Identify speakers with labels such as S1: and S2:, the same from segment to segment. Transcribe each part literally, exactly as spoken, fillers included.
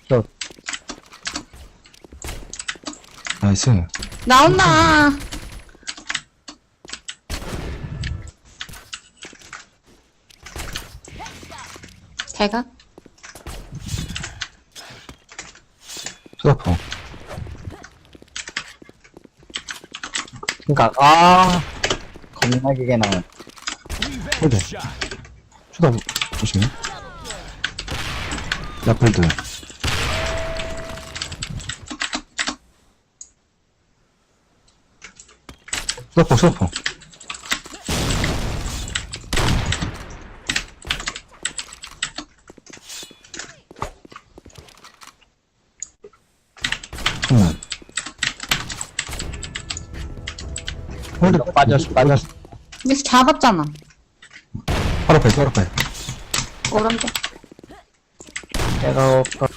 S1: 저.
S2: 나이스.
S3: 나온다. 제가?
S2: 수다포.
S1: 그니까, 아. 겁나게 개나.
S2: 홀드. 수다 조심해. 라플드. 수다포, 수다포. 음. 홀드
S1: 빠졌어, 빠졌어.
S3: 미스 잡았잖아.
S2: 바로 앞에, 바로 앞에.
S3: 오른쪽.
S1: 내가 없어.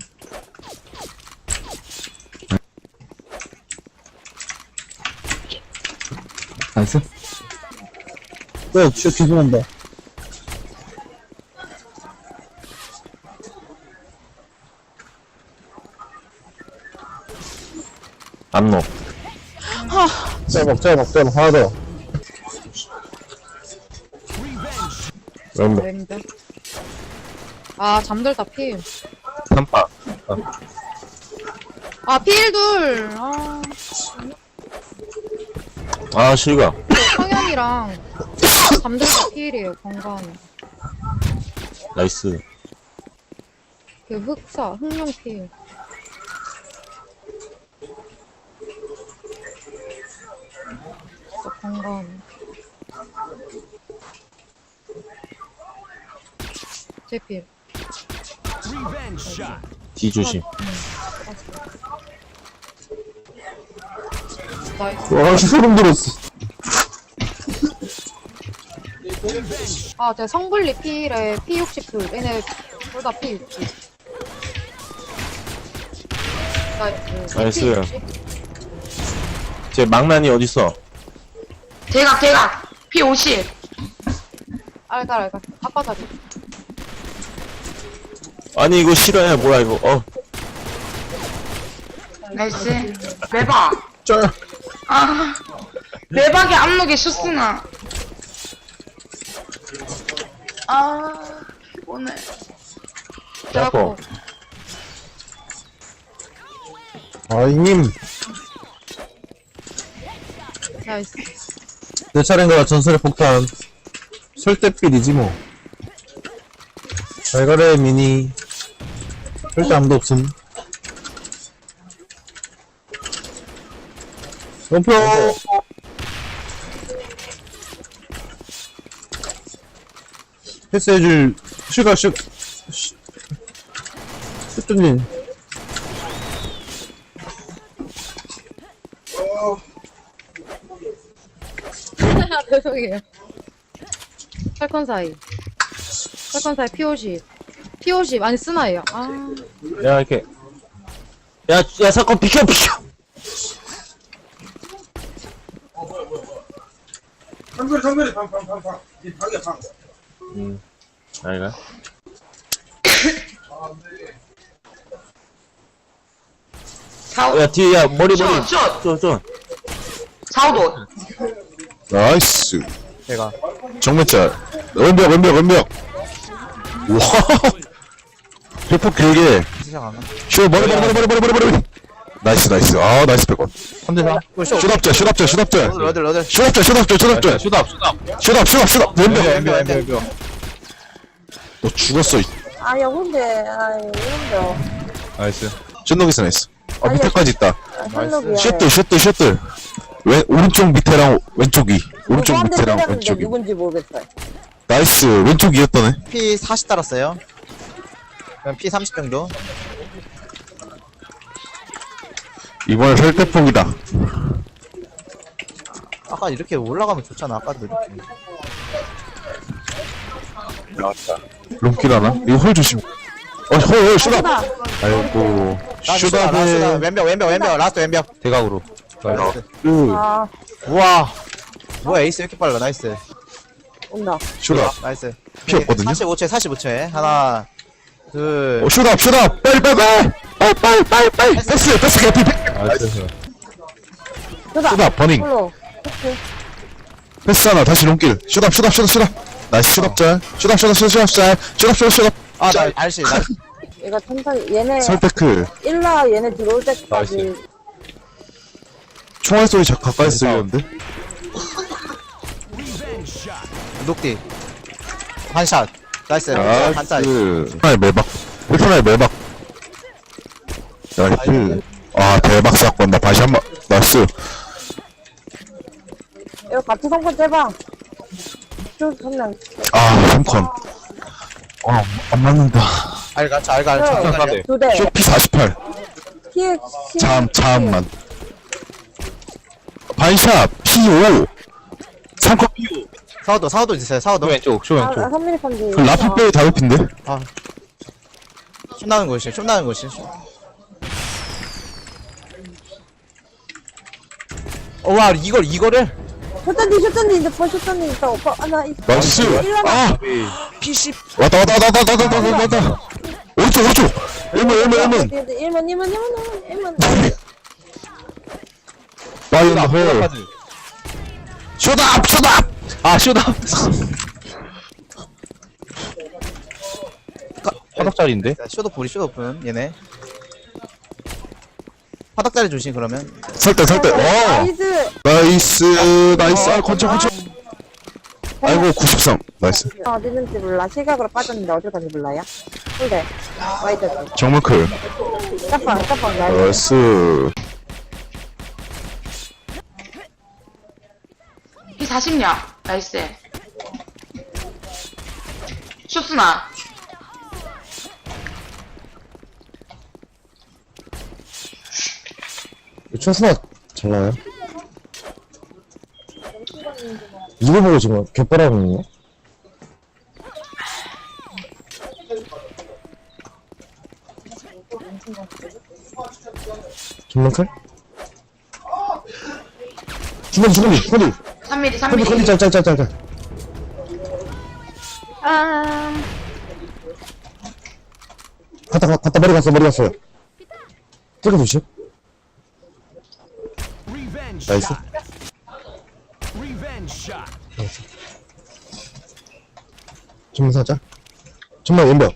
S2: 나이스.
S1: 왜, 진짜 뒤지는데.
S2: 안노.
S1: 째먹, 째먹, 째먹, 하나 더.
S2: 왼쪽.
S4: 왼쪽. 아, 잠들다, 필.
S2: 삼파.
S4: 아, 필 둘. 아,
S2: 아, 실가.
S4: 성현이랑 잠들다 필이에요, 건강.
S2: 나이스.
S4: 그 흑사, 흑룡 필. 진짜 건강. 제 필.
S2: 뒤 조심.
S4: 나이스.
S2: 와, 소름 돋았어.
S4: 아, 제가 성불리 필에 피 육십 둘. 얘네 둘 다 피 육십. 나이스.
S2: 나이스.
S4: 피 육십.
S2: 제 망나니 어딨어?
S3: 대각, 대각. 피 오십.
S4: 알갈, 알갈. 아빠다리.
S2: 아니, 이거 싫어해. 뭐야, 이거. 어.
S3: 나이스. 매박.
S2: 쩔.
S3: 아. 매박이 안목에 슛스나. 아. 오늘.
S4: 대학교.
S1: 아이님.
S4: 나이스.
S1: 내 차례인가, 전설의 폭탄. 설대필이지, 뭐. 잘 가래, 미니. 절대 아무도 없음. 점프! 패스해줄, 슈가, 슈, 슈, 슈뚜님.
S4: 죄송해요. 팔콘 사이. 팔콘 사이 피 오십. 피 오십. 아니, 스나예요. 아.
S2: 야, 이렇게. 야, 야, 사건 비켜, 비켜!
S5: 상거리 상거리 방방방방 이 방이야 방.
S2: 음. 아니가?
S3: 사오.
S2: 야, 뒤에, 야, 머리, 머리.
S3: 슛, 슛.
S2: 저, 저.
S3: 사오도.
S6: 나이스.
S1: 제가.
S6: 정면짤. 왼벽, 왼벽, 왼벽. 와. 대폭 길게.
S1: 시작 안 하.
S6: 쇼, 머리, 머리, 머리, 머리, 머리, 머리, 머리. 나이스, 나이스. 아, 나이스 백원.
S1: 삼 대 삼.
S6: 슛업짤, 슛업짤, 슛업짤.
S1: 러들, 러들.
S6: 슛업짤, 슛업짤, 슛업짤.
S2: 슛업, 슛업.
S6: 슛업, 슛업, 슛업. 왼벽.
S1: 왼벽, 왼벽, 왼벽.
S6: 너 죽었어. 이-
S7: 아야 근데 아이 이런데
S2: 나이스.
S6: 쫀동이스 나이스. 아, 밑에까지 있다.
S7: 현록이야
S6: 슛들, 슛들, 슛들. 왼, 오른쪽 밑에랑 왼쪽 위. 오른쪽
S7: 누구한테
S6: 밑에랑
S7: 때렸는데
S6: 왼쪽 위.
S7: 누군지 모르겠어요.
S6: 나이스. 왼쪽 위였다네.
S1: 피 사십 달았어요. 그럼 피 삼십 정도.
S6: 이번에 설대폭이다.
S1: 아까 이렇게 올라가면 좋잖아. 아까도 이렇게.
S6: 나왔다. 롱키라나? 이거 홀 조심. 어, 홀, 홀, 슛업. 아이고.
S1: 나 슈다, 나 슈다.
S6: 슛업에.
S1: 왼벽, 왼벽, 왼벽. 라스트 왼벽.
S2: 대각으로.
S1: 나이스.
S6: 그,
S7: 아
S1: 우와. 뭐야, 에이스 왜 이렇게 빨라. 나이스.
S7: 온다.
S6: 슛업.
S1: 나이스.
S6: 피 없거든요?
S1: 사십오 초에 사십오 초에. 하나, 둘
S6: 어, 슛업, 슛업! 빨리, 빨리, 빨리! 빨리, 빨리, 빨리, 빨리! 패스, 패스, 개피!
S2: 나이스.
S6: 슛업, 버닝.
S7: 홀로.
S6: 패스 하나, 다시 롱길. 슛업, 슛업, 슛업, 슛업. 나이스, 슛업 짤. 슛업, 슛업, 슛업, 슛업 짤. 슛업, 슛업, 슛업.
S1: 아나 알씨 나
S7: 이거 천천히, 얘네,
S6: 설패크.
S7: 일라 얘네 들어올 때까지.
S2: 나이스.
S6: 총알 소리 자, 가까이 쓰이는데?
S1: 녹디 한샷 나이스 한짤
S6: 나이스. 하나의 매박. 일편의 매박. 나이스. 아, 대박 사건. 나 다시 한 번. 나이스.
S7: 이거 같이 성권 째봐. 쭉, 한 명.
S6: 아, 삼 컨. 아, 안 맞는다.
S1: 알갈 알갈 알갈
S7: 두 대.
S6: 쇼피 사십팔.
S7: 피해,
S6: 참, 참만. 반샷, 피 오. 삼 컨 피 오.
S1: 사우도 사우도 있어요 사우도
S2: 쇼 왼쪽, 쇼
S7: 아,
S2: 왼쪽.
S7: 삼 미리 펀지.
S6: 그 라피페이 다이어핀데?
S1: 슛 나는 곳이 슛 나는 곳이 어와 이걸 이거를
S7: 셔던디, 셔던디, 이제 벌 셔던디 있다. 오빠, 아, 나, 이
S6: 나이스. 아!
S1: 피씨
S6: 왔다, 왔다, 왔다, 왔다, 왔다, 왔다, 왔다, 왔다. 오른쪽, 오른쪽. 일문, 일문, 일문.
S7: 일문, 일문, 일문, 일문, 일문.
S6: 파이어 더 홀. 슛업, 슛업!
S2: 아, 쇼다. 화덕짜리인데?
S1: 쇼도 불이 쇼도 불 얘네 화덕자리 조심 그러면
S6: 설대, 설대. 와!
S7: 나이스.
S6: 나이스, 나이스. 아, 건져, 건져. 아이고, 구십삼. 나이스.
S7: 어디 있는지 몰라. 시각으로 빠졌는데 어딜 갔는지 몰라요? 홀대. 와이드.
S6: 정문클.
S7: 깜빵, 깜빵, 나이스.
S6: 나이스.
S3: 피 사십냐? 나이스. 슛스나.
S8: 최순아 잘 나와요? 이거 보고 지금 갯바라고 있네? 김만클? 주머니 주머니 주머니
S3: 삼 미리, 삼
S8: 컨디 컨디
S3: 미리.
S8: 짤짤짤짤
S4: 아,
S8: 갔다 가- 갔다 머리 갔어 머리 갔어요 찍어 주시 나이스 전문 사자 전문 연병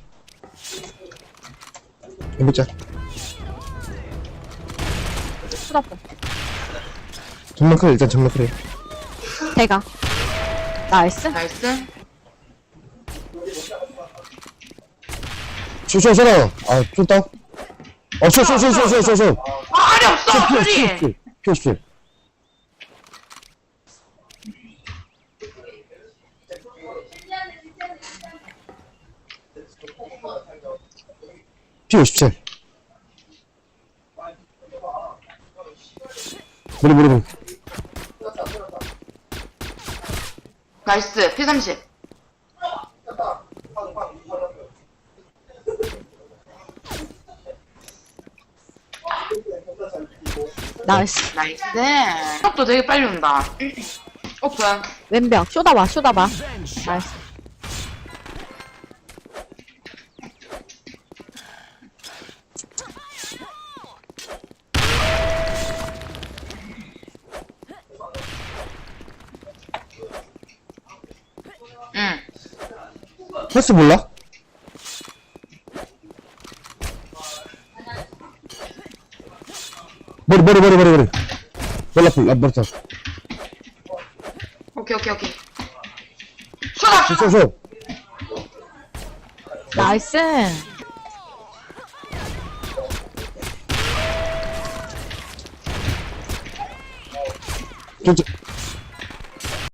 S8: 연병 짤
S4: 수납다.
S8: 전문 클 일단 전문 클
S4: 대가. 나이스.
S3: 나이스.
S8: 쇼쇼 쇼라 아좀 따. 어쇼쇼쇼쇼쇼쇼
S3: 아, 알이 없어! 소리!
S8: 쇼쇼 피 오십칠 머리 머리 머리
S3: 나이스. 피 삼십.
S4: 나이스.
S3: 나이스. 속도 되게 빨리 온다. 오픈.
S4: 왼벽. 쇼다봐, 쇼다봐. 나이스.
S3: 응.
S8: 패스 몰라? 머리 머리 머리 머리 머리 머리 앞에 앞 머리 탑
S3: 오케이, 오케이, 오케이. 쏘다! 쏘다!
S8: 쇼쇼
S4: 나이스.
S8: 저, 저,